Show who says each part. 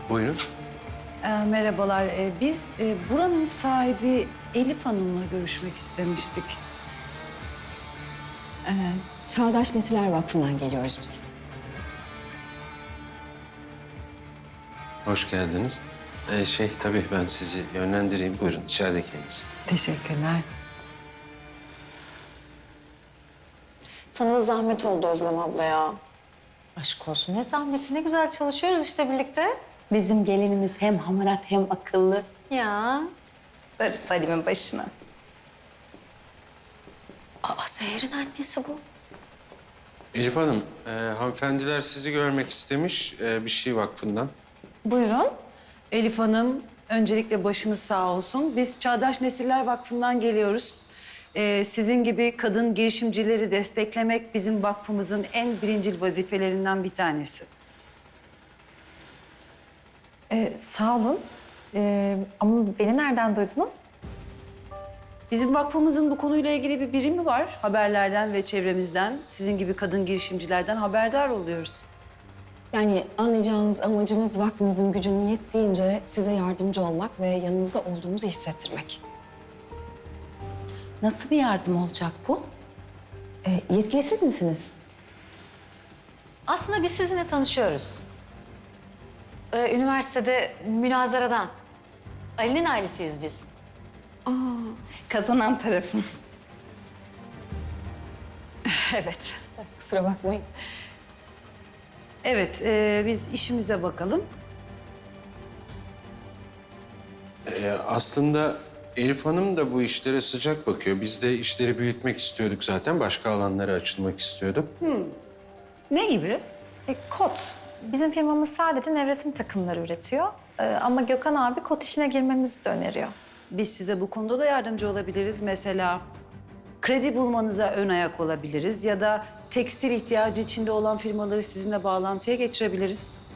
Speaker 1: Buyurun.
Speaker 2: Merhabalar. Biz buranın sahibi Elif Hanım'la görüşmek istemiştik.
Speaker 3: Çağdaş Nesiller Vakfı'ndan geliyoruz biz.
Speaker 1: Hoş geldiniz. Tabii ben sizi yönlendireyim. Buyurun içeride kendisi.
Speaker 2: Teşekkürler.
Speaker 3: Sana da zahmet oldu Özlem abla ya.
Speaker 4: Aşk olsun ne zahmeti, ne güzel çalışıyoruz işte birlikte.
Speaker 3: Bizim gelinimiz hem hamarat hem akıllı.
Speaker 4: Ya darısı Salim'in başına. Aa, Seher'in annesi bu.
Speaker 1: Elif Hanım, hanımefendiler sizi görmek istemiş bir şey vakfından.
Speaker 4: Buyurun.
Speaker 2: Elif Hanım, öncelikle başınız sağ olsun. Biz Çağdaş Nesiller Vakfı'ndan geliyoruz. Sizin gibi kadın girişimcileri desteklemek bizim vakfımızın en birincil vazifelerinden bir tanesi.
Speaker 4: Sağ olun. Ama beni nereden duydunuz?
Speaker 2: Bizim vakfımızın bu konuyla ilgili bir birimi var. Haberlerden ve çevremizden, sizin gibi kadın girişimcilerden haberdar oluyoruz.
Speaker 3: Yani anlayacağınız amacımız vakfımızın gücünün yettiğince size yardımcı olmak ve yanınızda olduğumuzu hissettirmek.
Speaker 4: Nasıl bir yardım olacak bu?
Speaker 3: Yetkili siz misiniz?
Speaker 4: Aslında biz sizinle tanışıyoruz. Üniversitede münazaradan. Ali'nin ailesiyiz biz.
Speaker 3: Kazanan tarafın. Evet, kusura bakmayın.
Speaker 2: Evet, biz işimize bakalım.
Speaker 1: Aslında Elif Hanım da bu işlere sıcak bakıyor. Biz de işleri büyütmek istiyorduk zaten. Başka alanlara açılmak istiyorduk.
Speaker 2: Ne gibi?
Speaker 5: Kot. Bizim firmamız sadece nevresim takımları üretiyor. Ama Gökhan abi kot işine girmemizi de öneriyor.
Speaker 2: Biz size bu konuda da yardımcı olabiliriz. Mesela kredi bulmanıza ön ayak olabiliriz ya da tekstil ihtiyacı içinde olan firmaları sizinle bağlantıya geçirebiliriz.